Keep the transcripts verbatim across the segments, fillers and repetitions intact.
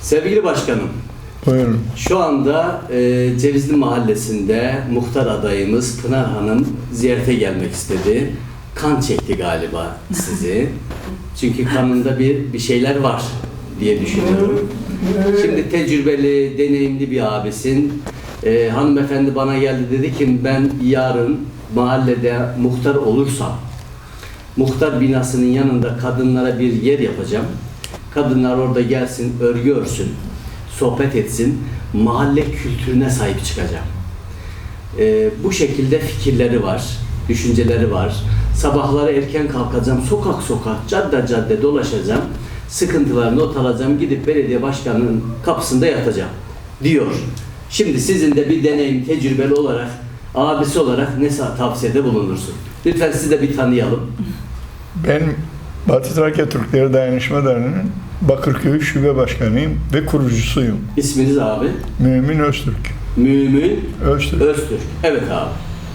Sevgili başkanım, Buyurun. şu anda e, Cevizli Mahallesi'nde muhtar adayımız Pınar Hanım ziyarete gelmek istedi. Kan çekti galiba sizi. Çünkü kanında bir bir şeyler var diye düşünüyorum. Şimdi tecrübeli, deneyimli bir abisin. E, hanımefendi bana geldi, dedi ki ben yarın mahallede muhtar olursam muhtar binasının yanında kadınlara bir yer yapacağım. Kadınlar orada gelsin, örgü örsün, sohbet etsin, mahalle kültürüne sahip çıkacağım. Ee, bu şekilde fikirleri var, düşünceleri var. Sabahları erken kalkacağım, sokak sokak, cadde cadde dolaşacağım, sıkıntılarını not alacağım, gidip belediye başkanının kapısında yatacağım diyor. Şimdi sizin de bir deneyim, tecrübeli olarak, abisi olarak ne tavsiyede bulunursun? Lütfen sizi de bir tanıyalım. Ben Batı Trakya Türkleri Dayanışma Derneği'nin Bakırköy Şube Başkanıyım ve kurucusuyum. İsminiz abi? Mümin Öztürk. Mümin Öztürk. Öztürk. Evet abi.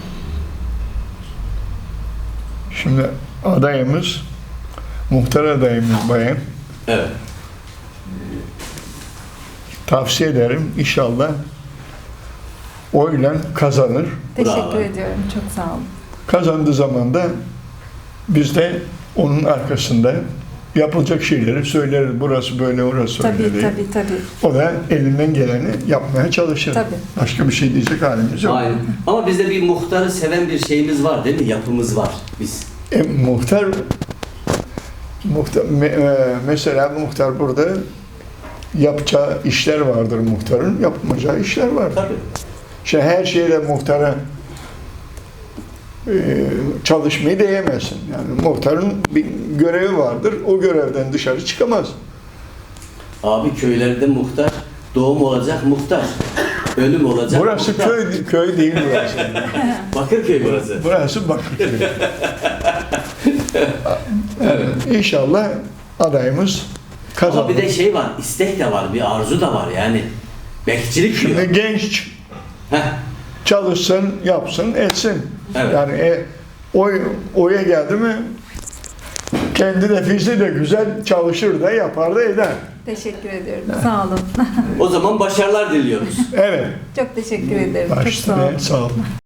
Şimdi adayımız, muhtar adayımız bayan. Evet. Tavsiye ederim, inşallah oyla kazanır. Teşekkür Bravo. ediyorum. Çok sağ olun. Kazandığı zaman da biz de onun arkasında yapılacak şeyleri söyleriz. Burası böyle, orası Tabii öyle diye. tabii tabii. O da elinden geleni yapmaya çalışır. Tabii. Başka bir şey diyecek halimiz yok. Aynen. Ama bizde bir muhtarı seven bir şeyimiz var değil mi? Yapımız var biz. E, muhtar, muhtar me- e, mesela muhtar burada yapacağı işler vardır muhtarın, yapmayacağı işler vardır. Tabii. İşte her şeyde muhtara e, çalışmayı diyemezsin. Yani muhtarın bir görevi vardır, o görevden dışarı çıkamaz. Abi köylerde muhtar, doğum olacak muhtar, ölüm olacak Burası muhtar. köy köy değil burası. Bakırköy burası. Burası Bakırköy. Evet. İnşallah adayımız kazanır. Ama bir de şey var, istek de var, bir arzu da var yani. Bekçilik diyor. Şimdi genç Heh. çalışsın, yapsın, etsin. Evet. Yani e, oy, oya geldi mi kendi nefisi de güzel çalışır da yapar da eder. Teşekkür ediyorum. Sağ olun. O zaman başarılar diliyoruz. Evet. Çok teşekkür ederim. Çok sağ olun. Başta sağ olun.